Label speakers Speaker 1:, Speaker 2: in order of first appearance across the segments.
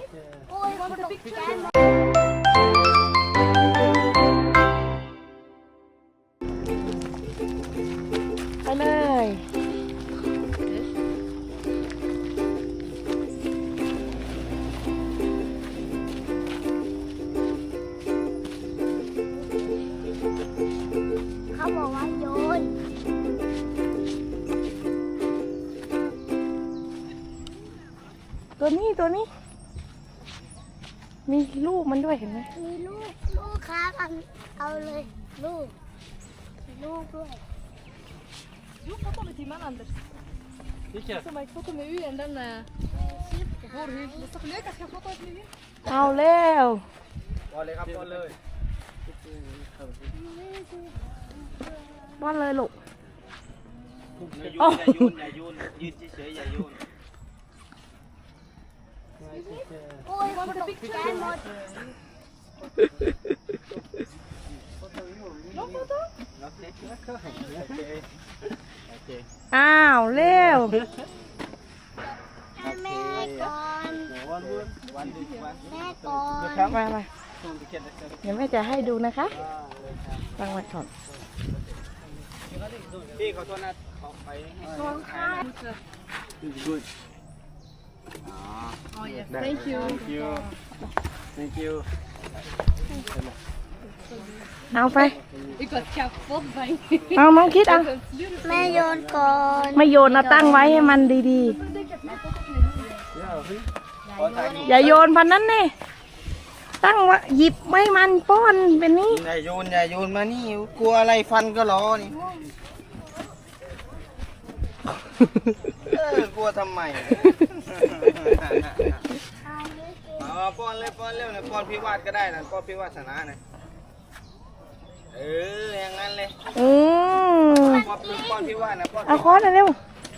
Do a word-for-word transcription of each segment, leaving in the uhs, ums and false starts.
Speaker 1: โอ้ยมันตกใจหมด
Speaker 2: ไปเลย
Speaker 1: เขาบอกว่าโยน
Speaker 2: ตัวนี้ตัวนี้มีลูกมันด้วยเห็นไหม
Speaker 1: มีลูกลูกค้ากันเอาเลยลูกลูกด้วย
Speaker 3: Jo, foto med Tim Anders.
Speaker 4: Vilket?
Speaker 3: Som ett foto med U N, den är vår hus. Det står leka, ska jag fota ett med U N?
Speaker 2: เอาแล้ว
Speaker 4: บอลเลยครับบอลเลย
Speaker 2: ป้อนเลยลูก
Speaker 4: อย่าโยนอย่าโยนอย่าโยนยืนเฉยๆอย่าโยน
Speaker 1: โอ้ยมันตกใจหมด
Speaker 3: Ja, foto.
Speaker 4: โอเคโอเคโอเค
Speaker 2: อ้าวเร็ว
Speaker 1: ให้แม่ก่อน
Speaker 4: วันวันวันดีวัน
Speaker 1: แม่ก่อน
Speaker 4: ครับ
Speaker 2: มามา
Speaker 4: ส่งติเก็ตนะครับ
Speaker 2: เดี๋ยวแม่จะให้ดูนะคะฟังไว้ก่อน
Speaker 4: พี่ขอโทษนะขอไป
Speaker 1: ของข้า
Speaker 4: Good.
Speaker 3: Oh, yes. Thank you.
Speaker 4: Thank you. Thank you.
Speaker 2: เอาไป
Speaker 3: Ik was kapot bang.
Speaker 2: เอาน้องคิดเอา
Speaker 1: แม่โยนก่อน
Speaker 2: ไม่โยนเอาตั้งไว้ให้มันดี
Speaker 4: ขอถ่าย
Speaker 2: ๆ อย่าโยนพันนั้นเน่ตั้งไว้หยิบไว้มันป้อนเป็นนี้
Speaker 4: อย่าโยนอย่าโยนมานี่กลัวอะไรฟันก็รอนี่เออกลัวทำไมอ๋อป้อนเลยป้อนเร็วนะป้อนพิวาทก็ได้นะป้อนพิวาสนานะเอออย่างนั้นเลย
Speaker 2: อืม
Speaker 4: ป้อนป้อนพิวาทนะป้อน
Speaker 2: เอาค้อนเร็ว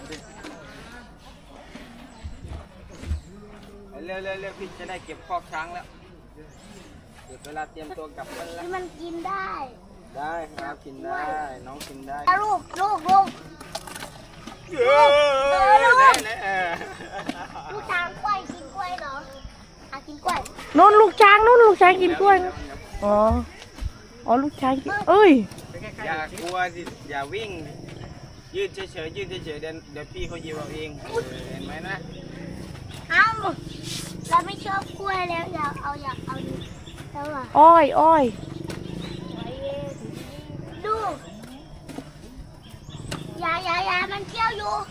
Speaker 4: เร็วเร็วเร็วพี่จะได้เก็บคอกช้างแล้วเดี๋ยวเวลาเตรียมตัวกลับกันแล้ว
Speaker 1: ที่มันกินได้
Speaker 4: ได้ครับกินได้น้องกินได้
Speaker 1: ลูกลูกลูก
Speaker 4: เออไหนไหนเออ
Speaker 1: ลูกช้างกล้วยกินกล้วยเหรออ่ะกินกล้วย
Speaker 2: ๆนู่นลูกช้างนู่นลูกช้างกินกล้วยนะอ๋ออ๋อลูกช้างกินเอ้ย
Speaker 4: อย่ากลัวสิอย่าวิ่งยืดเฉยๆยืดเฉยๆเดี๋ยวเดี๋ยวพี่เขายิบเอาเองเออเห็นไหมนะ
Speaker 1: เอ้าเราไม่ชอบกล้วยแล้วอยากเอาอยากเอาดิแล้วอ่ะ
Speaker 2: อ้อยอ้อย
Speaker 1: ดูยายายามันเคี้ยวอยู่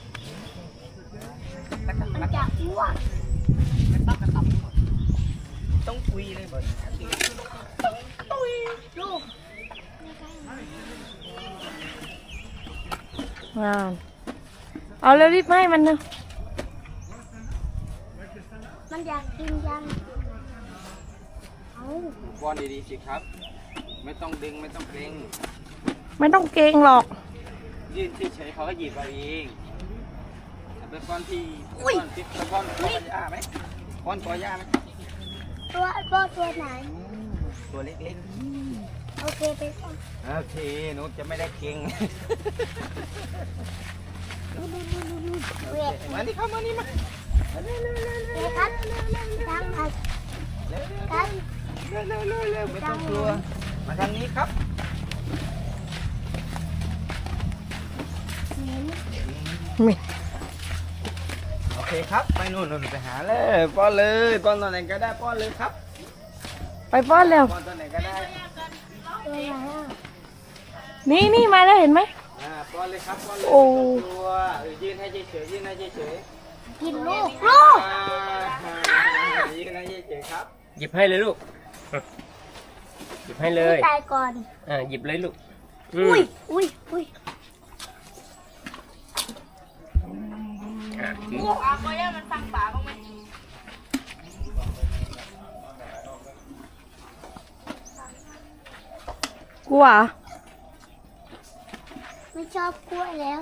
Speaker 1: มันจะอ้วก
Speaker 4: ต้องคุยเลยบ่อย
Speaker 1: ลูก
Speaker 2: งามเอาเร็วรีบให้มันนะ
Speaker 1: มันอยากกินยังเอา
Speaker 4: บอลดีๆสิครับ ไม่ต้องดึงไม่ต้องเกรง
Speaker 2: ไม่ต้องเกรงหรอก
Speaker 4: ยืดเฉยๆเขาก็หยิบเอาเองเอาไปป้อนที่ป้อนที่ไปป้อนป้อนย่าไหมป้อนกอย่าไหม
Speaker 1: ตัวตัวตัวไหน
Speaker 4: ตัวเล็ก
Speaker 1: โอเคไปก่อน
Speaker 4: ๆโอเคหนูจะไม่ได้เก่ง
Speaker 1: เวท
Speaker 4: มานี่เข้ามานี่มา
Speaker 1: เวทครับตั้งมาครับ
Speaker 4: เร็วเร็วเร็วเร็วไม่ต้องกลัวมาทางนี้ครับ
Speaker 2: ไม่
Speaker 4: โอเคครับไปนู่นนู่นไปหาเลยป้อนเลยป้อนตอนไหนก็ได้ป้อนเลยครับ
Speaker 2: ไปป้อนเร็ว
Speaker 4: ป้อนตอนไหนก็ได้
Speaker 1: ตัวไหนอ่ะ
Speaker 2: นี่นี่มาแล้วเห็นไหม
Speaker 4: อ่าป้อนเลยครับป้อนเลย
Speaker 2: โอ้
Speaker 4: ไม่ต้องกลัวเออยืนให้เฉยๆยืนให้เฉยๆ
Speaker 1: กินลูกลูก
Speaker 4: อ่ายืนให้เฉยๆครับ
Speaker 5: หยิบให้เลยลูก หยิบให้เลย
Speaker 1: ตายก่อน
Speaker 5: อ่าหยิบเลยลูก
Speaker 1: อุ้ยอุ้ยอุ้ย
Speaker 5: อ่ะถือ
Speaker 2: กลัวเหรอ
Speaker 1: ไม่ชอบกล้วยแล้ว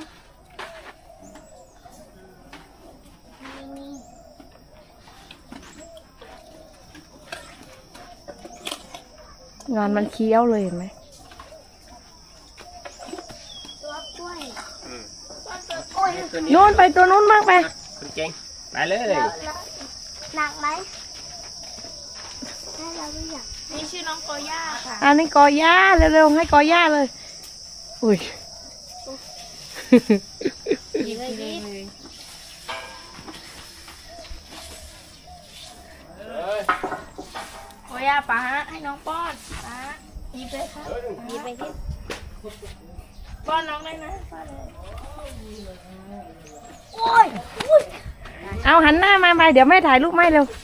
Speaker 1: นี่
Speaker 2: งานมันเคี้ยวเลยเห็นไหม
Speaker 1: ตัวกล้วย
Speaker 5: อืม
Speaker 1: โอ้ย
Speaker 5: ตัว
Speaker 2: นู่นไปตัวนู้นบ้างไป
Speaker 5: คุณเก่งไปเลย
Speaker 1: แล้วแล้วหนักไหมเราไม่อยาก
Speaker 3: นี่ชื่อน้องโกย่าค่ะ
Speaker 2: อันนี้กอย่าเร็วๆให้กอย่าเลยอุ้ย
Speaker 3: หยิบเลยหยิบ โกย่าป้าให้น้องป้อนป้าหยิบเลยค่ะหยิบไปที่ป้อนน้องได้นะป้อนเลย
Speaker 1: โอ้ยอุ้ย
Speaker 2: เอาหันหน้ามาไปเดี๋ยวแม่ถ่ายรูปให้เร็ว